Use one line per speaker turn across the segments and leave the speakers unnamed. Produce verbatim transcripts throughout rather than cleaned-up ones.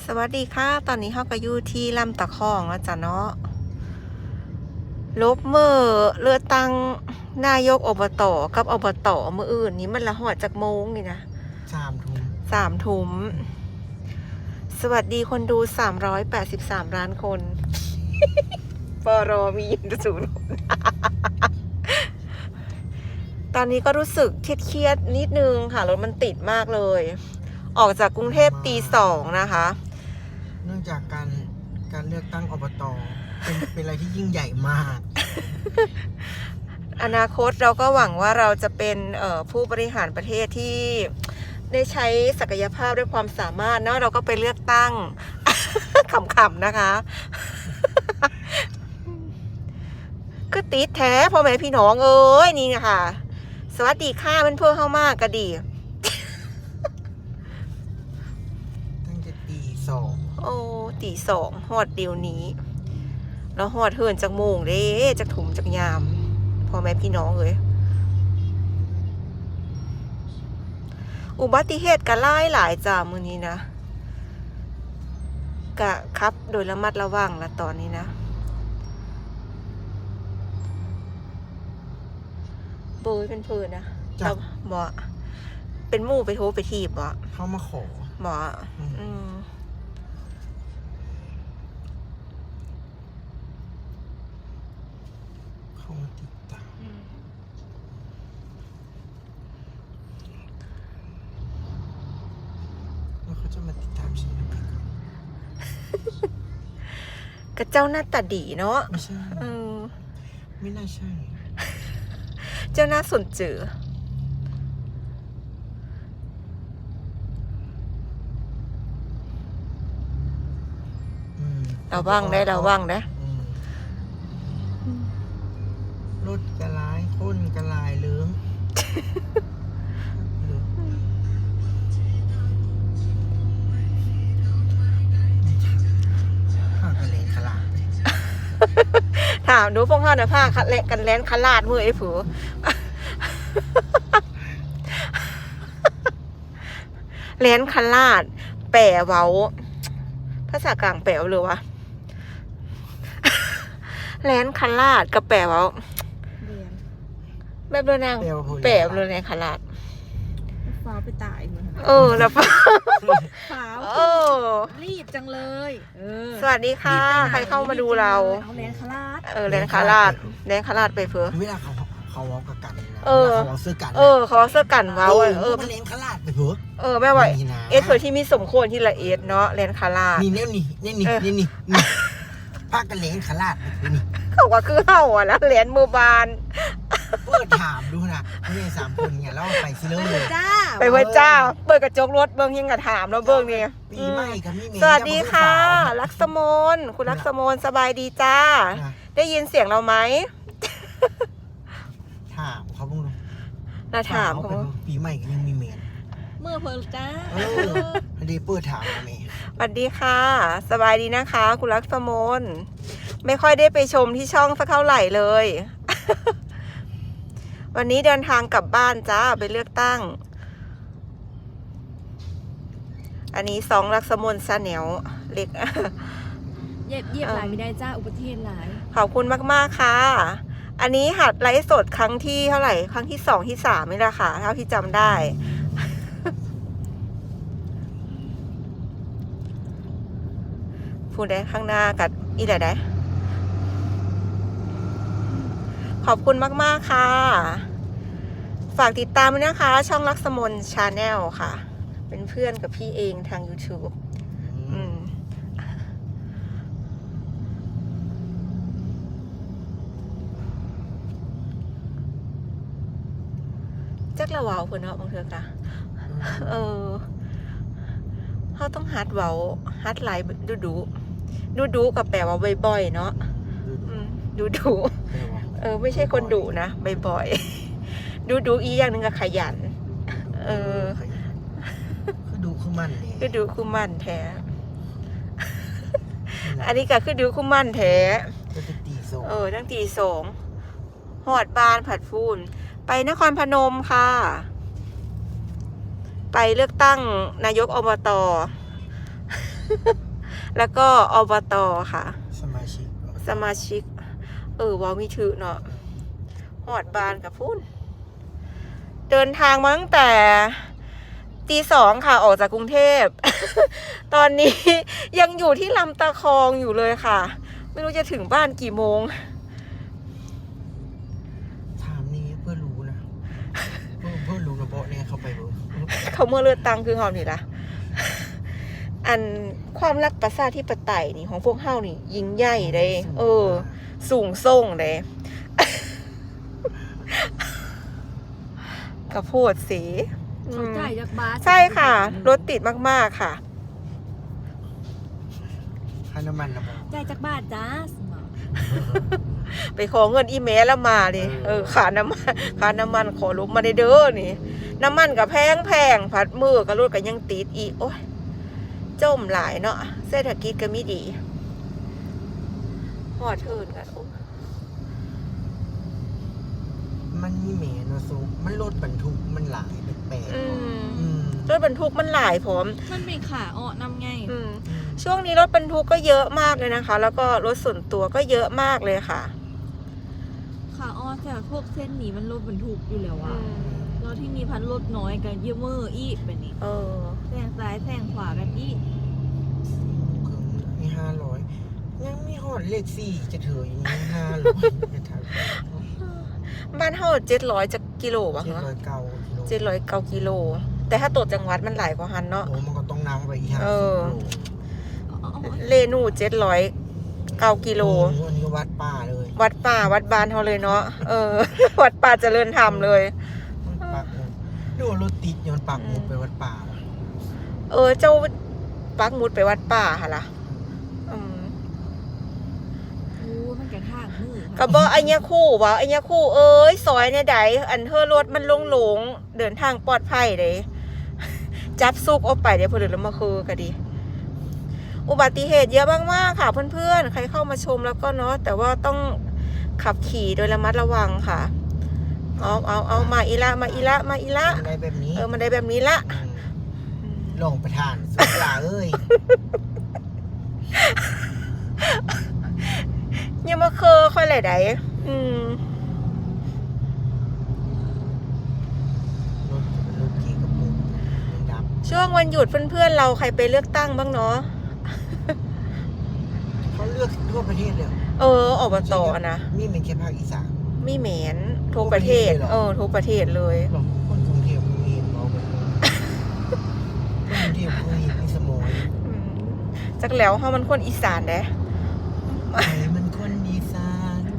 สวัสดีค่ะตอนนี้เฮาก็อยู่ที่ลำตะคองแล้วจ้ะเนาะลบเมื่อเลือกตั้งนายกอบตกับอบตเมื่ออื่นนี้มันละหอดจากโมงนี่นะ
สามทุ่ม
สามทุ่มสวัสดีคนดูสามร้อยแปดสิบสามล้านคน ปรมียินศูนย์ตอนนี้ก็รู้สึกเครียดๆนิดนึงค่ะรถมันติดมากเลย ออกจากกรุงเทพตีสองนะคะ
เนื่องจากการการเลือกตั้งอบตเป็นเป็นอะไรที่ยิ่งใหญ่มาก
อนาคตเราก็หวังว่าเราจะเป็นผู้บริหารประเทศที่ได้ใช้ศักยภาพด้วยความสามารถเนาะเราก็ไปเลือกตั้ง ขำๆนะคะก็ติดแท้พ่อแม่พี่น้องเอ้ยนี่นะคะสวัสดีค่ะมันเพื่อเข้ามากก็ดี
ตั้งแต่ตีสอง
โอ้ตีสองหอดเดียวนี้แล้วหอดเหินจากโมงเด้จากถุมจากยามพ่อแม่พี่น้องเอ้ยอุบัติเหตุกันหลายหลายจ้ามือนี้นะกะครับโดยระมัดระวังละตอนนี้นะเบยเป็นเพื่อนนะเราบ่เป็นมู่ไปโทรไปทีบบ่
เข้ามาขอ
บ่อืม
เข้ามาติดตามแล้วเขาจะมาติดตามฉันทำไมก่อน
กระเจ้าหน้าตาดีเนาะ
ไม่ใช่
เออ
ไม่น่าใช่
เจ้าหน้าสนเจือระวังได้ระวังได้
รถกระลายคนกระลายเลื้องผ้ากระเลนขลาด
ถามดูพวกเขาเนี่ยผ้าคัดเละกันแลนขลาดมือไอ้ผัวแลนขลาดแปะเว้าภาษากลางแปะหรือวะแลนขลาดกับแปะเว้าแบบเรือนางแปะเรือนางขลาด
ฟ้าไปตายเหมือน
เออแล้วฟ้า
ฟ้า
เออ
รีบจังเลยเออ
สวัสดีค่ะใครเข้ามาดูเรา
เอาแลนคาราด
เออแลนคาราดแลนคาราดไปเพื่อ
เวลาเขาเขาวอลกับกัน
เออ
เขาเสื้อกัน
เออเขาเสื้อกันเว้าเออ
มันแลนคาราดไปเพื่อ
เออแม่ว่าเอสเผื่อที่มีสมควรที่ละเอียดเนาะแลนคาราด
นี่เนี่ยนี่นี่นี่นี่นี่นี่ผ้ากันแลนคาราดนี่
เขาว่าคือเห่าอ่ะนะแลนมือบาน
เปิดถามดูนะนี่สามคนเนี่ยแล้วไปซิเลอร์
จ้า
ไปเว้ยจ้าเปิดกระจกรถเบิ้งยังกระถามแล้วเบิ้งนี่
ปีใหม่กับมี่เมย์
สวัสดีค่ะลักษมนคุณลักษมนสบายดีจ้าได้ยินเสียงเราไหม
ถามเขาบ้างดู
น่าถามเขา
ปีใหม่กับยังมีเมย์
เมื่อเพลจ้า
เออพอดีเปิดถามมาเมย์
สวัสดีค่ะสบายดีนะคะคุณลักษมนไม่ค่อยได้ไปชมที่ช่องสักเท่าไหร่เลยวันนี้เดินทางกลับบ้านจ้าไปเลือกตั้งอันนี้สองลักษมนซาแนวเล็ก
เย็บเย็บหลายไม่ได้จ้าอุบัติเหตุหลาย
ขอบคุณมากๆค่ะอันนี้หัดไลฟ์สดครั้งที่เท่าไหร่ครั้งที่สองที่สามนี่แหละค่ะเท่าที่จำได้พูดได้ข้างหน้ากับอีอะไรได้ขอบคุณมากๆค่ะฝากติดตามด้วยนะคะช่องลักษมนชาแนลค่ะเป็นเพื่อนกับพี่เองทาง YouTube อืมจักละวาวคนเนาะบางเทือกะเออเขาต้องฮัดเว้าฮัดไลน์ดูดูดูดูกับแปลว่าบ่อยๆเนาะดูดูเออไม่ใช่คนดุนะบ่อยๆดูดูอีอย่างหนึ่งก็ขยันเออ
คือดูคู่มันเลย
คือดูคู่มันแท้อันนี้ก็คือดูคู่มันแท้เออตั้งตีสองหอดบานผัดฟูนไปนครพนมค่ะไปเลือกตั้งนายกอบตแล้วก็อบตค่ะ
สมาชิก
สมาชิก เออวอมีถือเนาะหอดบานกับพุ่น เดินทางมาตั้งแต่ตีสองค่ะออกจากกรุงเทพ ตอนนี้ยังอยู่ที่ลำตะคองอยู่เลยค่ะ ไม่รู้จะถึงบ้านกี่โมง
ถามนี่เพื่อรู้นะเพื่อเพื่อรู้นะโบเนี่ยเข้าไปเบิ่ง
เขาเมื่อเลือดตังคือเฮานี่ล่ะ อันความรักประชาธิปไตยนี่ของพวกเฮานี่ ยิ่งใหญ่เด้ เออ สูงส่งเด้ กระโพดสีอื
เขา
ม
จ่ายจากบาส
ใช่ค่ะ รถติดมาก ๆ ค่ะ
ค่าน้ำมันนะโบ
จ่ายจากบาทจ้าสมอง
ไปขอเงินอีเมลแล้วมาดิ
เออ
เออขาน้ำมันขาน้ำมันขอลบมาได้เด้อนี่ น้ำมันกับแพงแพงพัดมือกับรถก็ยังติดอีก โอ้ยจมหลายเนาะเศรษฐกิจก็ไม่ดีหอดเทินกันโอ้
มันมีแหมเนาะซุมันรถบรรทุกมันหลายแปลก
อื
ๆ
ม
อืม
รถบรรทุกมันหลายพร้อม
มันเป็นขาอ้อนำไง
อืม ช่วงนี้รถบรรทุกก็เยอะมากเลยนะคะ แล้วก็รถส่วนตัวก็เยอะมากเลยค่ะ
ขาอ้อนแต่พวกเส้นนี้มันรถบรรทุกอยู่แล้ว
อื
อะ
ม
แล้วที่มีพันรถน้อยกันเยอะเมอร์อีกแบบนี้
เออ
แซงซ้ายแซงขวากันอีก
คือมีห้าร้อยยังมีหอดเลขสี่จะเถอะอย่างนี้ห้าร้อยจะท
บ้านเฮาเจ็ดร้อยจะกิโล
ำ
วะ
เจ็ด
คะ
ร้อยเก้ากิโล
เจ็ดร้อยเก้ากิโล แต่ถ้าตรวจจังหวัดมันหลายกว่าหันเนาะ
โอ้มันก็ต้องนำไปอีกห้า
เอ
สิบ
อ
โล
อ๋ออ๋อ
เลนูเจ็ดร้อยเก้ากิโล
อันนี้ก็วัดป่าเลย
วัดป่าวัดบานเฮาเลยเนาะ เออ วัดป่าเจริญธรรมเลย
มันปักหมุดดูว่ารถติดย้อนปักหมุดไปวัดป่าว่ะ
เออ เจ้าปักหมุดไปวัดป่าค่ะล่ะอืม
โอ้มันกระทากมือ
ก็บอกไอ้เนี้ยคู่ว่าไอ้เนี้ยคู่เอ้ยซอยเนี่ยใดอันเธอรถมันลงหลงเดินทางปลอดภัยเลย จับซุกออกไปเดี๋ยวพอเดินแล้วมาคือก็ดี อุบัติเหตุเยอะมากๆค่ะเพื่อนๆ ใครเข้ามาชมแล้วก็เนาะแต่ว่าต้องขับขี่โดยระมัดระวังค่ะ เอาเอาเอามาอีละมาอีละมาอีละ
อะไรแบบนี้
เออมันได้แบบนี้ละ
อืมลงประทานสุดลาเอ้ย
อย่ามาเคอค่อยไหลใดอืม
รถรถกี่กระปุกมันดับ
ช่วงวันหยุดเพื่อนๆเราใครไปเลือกตั้งบ้างเนาะ
เขาเลือกทั่วประเทศเลย
เอออบตนะ
มีเป็นแค่ภาคอีสาน
มีเหมนทุกประเทศ
ทุกประเทศเลยเหรอ
เออทุกประเทศเลย
หรอคนกรุงเทพมีเห็นเมาไปเลยคนกรุงเทพเขาเห็นมีสมอย
อืมจักแล้วเฮามันคนอีสานเด้
ไอ้มันคนอีสาน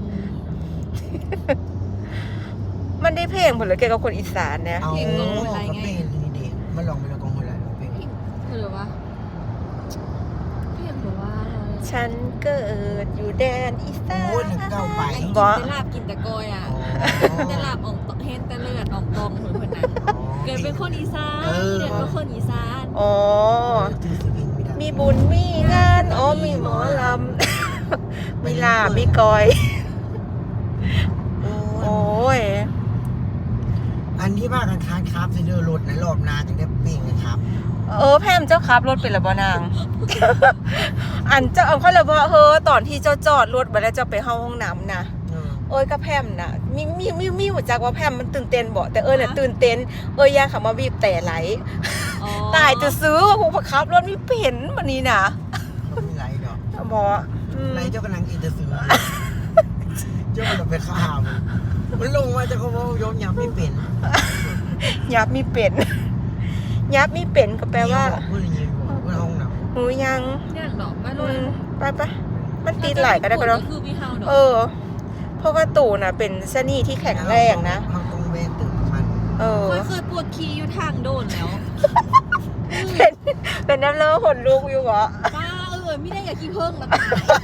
มันได้เพลงผลเลยเกี่ยวกับคนอีสานเนี่ย
เอา
อื
ก็
ม
เป็นนี่เด็กมาลองไปแล้วกองหัวไหล่เพลง
เธอหรือวะเพียงหรือว่า
ฉันเกิดอยู่แดนอีสาน
โอ้ยเก้าไป
กิน
บ่
แต่ลาบกินแต่กอยอ่ะ
อ๋อ
แต่ลาบออกเห็นแต่เลือดออกตองเหมือนคนนั้น
อ๋อ
เกิดเป็นคนอีสาน
เออ
เด็กเป็นคนอีสาน
อ๋อ
จื้อสิเพลงไม่ได้
มีบุญมีงานอ๋อมีหมอลำ มีลาบมีกอย
โอ้
โอ้ย
อันที่ว่ากันค้านครับเซนเดอร์รถนะรอบหนาถึงได้เปลี่ยนนะครับ
เออแพมเจ้าขับรถเป็นระบนาง อันเจ้าเอาเขาเลยว่าเฮ้อตอนที่เจ้าจอดรถไปแล้วเจ้าไปเข้าห้องน้ำนะ
เออ
เอ้ยก็แพมนะมีมีมีมีหัวจักว่าแพมมันตื่นเต้นบ่แต่เอ้ยเนี่ยตื่นเต้นเอ้ยย่างขับมาบีบแต่ไหล
อ๋อ
ตายจะซื้อว่าผู้ขับรถไม่เป็นวันนี้นะ
เขาไม่ไรดอก
หมออืม
ไรเจ้ากำลังอินเตอร์ซื้อเจ้ามันไปข้ามมันลงมาจะเขาบอกยอมยำไม่เป็น
ยับมีเป็นยับมีเป็นก็แปลว่า
เพื่อนยิงบอกเพื่อนห้องน้ำ
หูยัง
เนี่ยดอกไม่
อื
รู้
มไปไปมันตีไหลก็ได้ก็
แล้
แล้ว ว
คือมีเฮาดอก
เออเพราะว่าตู่น่ะเป็นชะนีที่แข็งแรงนะ
เขาต้องเว้นตื่นมัน
เออ
เคยเคยปวดขี้อยู่ทางโดนแล้ว
เป็นเป็นน้ำเลือดขนลุกอยู่เหรอ
ป้าเออไม่ได้อยากขี้เพิ่งนะ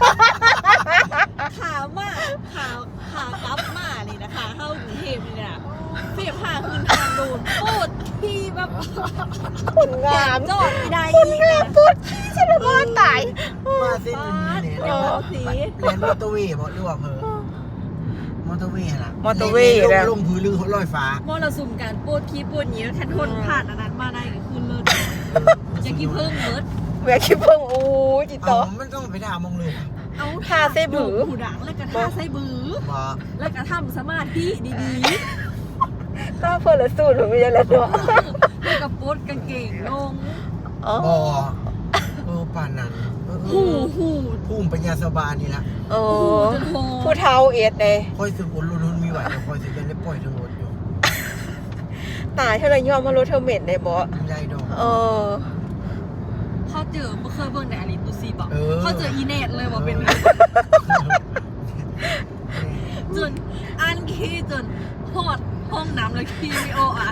ขามาขาขากลับมาเลยนะขาเข้ากรุงเทพเลยนะเสียผ่าคืนทางโดนปวดขี้แบบ
ขนงาม
จอดไม่ได้
ขน
อีก
งามปวดขี้ฉันเลยว่าตาย
มาเส้น
ป้า
นี้
ด
เนี่ย
เดี๋ยวสี
เรียนมอเตอร์เวย์เพราะเรือว่าเพอมอเตอร์เวย์ล่ะ
มอเตอร์เวย์
ล
แล้ว
งลงพื้นลือลอยฟ้าม
อเราสุ่มการปวดขี้ปวดเหนียวแค่ทนผ่านอันนั้นมาได้ก็คือเลิศอยากขี้เพิ่งเลิศ
แหวกขี้เพิ่งอู้จิต
เอา
ต่อ
มันต้องไปด่ามองเลย
เอา
ท่าไส้บื้อ
หูดังแล้วก็ท่าไส้บือ
บ่
แล้วก็ทำสมาธิดี
ก็เพิ่นละสู้หนูไม่ได้แล้วเนาะ
ๆแล้วก็โพสกางเกงลง
อ๋อ
บ่เออป่านนั้นเออเอ
หู
อ
หู
ภูมิปัญญาสบานนี่ละ
โอ้
หูจนโห
ผู้เฒ่าเอ็ดเลย
คอยสึกอุ่นรุนมีไหวแต่คอยสึกยังได้ปล่อยทั้งหมดอยู่
ตายเท่าไรยอมมารถเธอเหม็นได้บ่
ได้ดอก
เออ
เขาเจอเมื่อเคยเบิ่งในอาริตูซีบอก
เออ
เขาเจออีเนตเลยว่าเป็นจนอันขี้จนหอดห้องน้ำเลยขี้ไม่โออ่ะ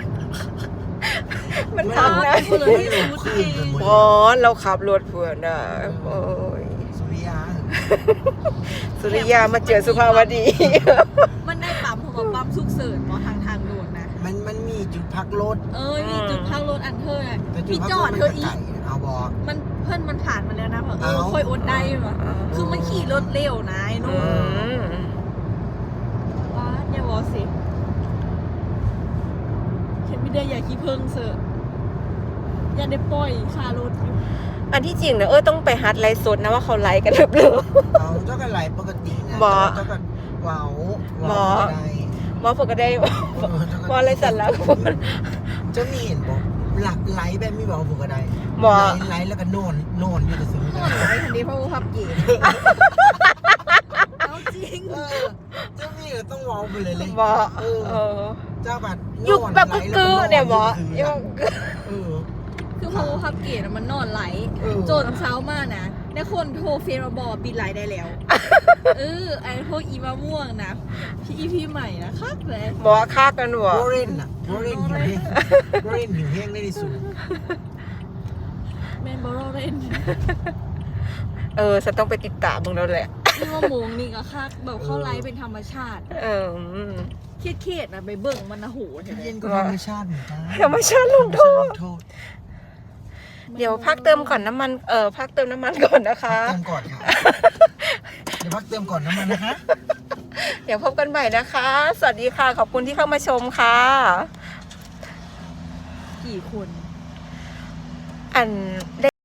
มันทำนะ
เพื่อนที่รู้เอง
อ๋อเราขับรถเพื่อนอ่ะโอ้ย
สุริยา
สุริยามาเจอสุภาวดี
มันได้ปั๊มผมว่าปั๊มสุกเสริญมอทางทางด่วนนะ
มันมันมีจุดพักรถ
เอ้ยมีจุดพักรถอันเธอน่ะ
แต่จุด
มี
พัก
จ
ร
อ
ถ
ด
มัน
เธ
ก็
ออี
ไก่เอาบอก
มันเพื่อนมันผ่านมาแล้วนะแบบเออ
เอ้า
ค่อยอดได้ว่ะคือมันขี่รถเร็วนะไอ้
อื
นู่น
ม
ว้าอย่าวอสิเข็มไม่ได้อย่าขี้เพิ่งเสอะอย่าได้ปล่อยคารถอยู่
อันที่จริงเนี่ยเออต้องไปฮัดไลฟ์สดนะว่าเขาไลฟ์กันหรือเปล่า
เอาเจ้ากันไหลปกตินะ
บ่
เจ้ากันเว้า
บ่
เว้าได้
ว่าผมก็ได้
เออเจ้ากัน
ว่าอะไรสันแล้ว
เจ้ามีเห็นบอกหลักไหลแบบมีบอกผมก็ได้
บ่
ไหลไหลแล้วก็โนนโนนอยู่แต่ซื้อ
โน่นไอ้คันนี้เพราะว่าพับเก๋เอาจริง
เออเจ้ามีก็ต้องเว้าไปเลยเลย
บ่
เออ
เออ
เจ้าบัด
ยุคแบบกึกๆเนี่ยบ่
ยุ
ยุค
เออ
คือเพราะว่าพับเก๋น่ะมันนอนไหล
เออ
จนเช้ามานะได้คนโทรเฟซมาบอกปิดไลน์ได้แล้ว เออไอ้พวกอีมะม่วงนะพี่อีพี่ใหม่นะคักเลย
บอกว่าฆ่ากันบ่
วอร์เรนอะวอร์เรนหิวแห้งวอร์เรนหิวแห้งได้ที่สุด
แมนบอโรเรน
เออฉันต้องไปติดตามมึงแล้วแหละ
นี่ว่าโมงนี่ก็คักแบบเข้าไลฟ์เป็นธรรมชาติ
เออ
เครียดๆนะไปเบิ่งมันนะโหเห็นไหม
เย็นก็ธรรมชาติเหมือนกัน
ธรรมชาติลงโทษ
โทษ
เดี๋ยวพักเติมก่อนน้ำมัน เออพักเติมน้ำมันก่อนนะคะ
เติมก่อนค่ะ เดี๋ยวพักเติมก่อนน้ำมันนะคะ
เดี๋ยวพบกันใหม่นะคะ สวัสดีค่ะ ขอบคุณที่เข้ามาชมค่ะ
กี่คน
อัน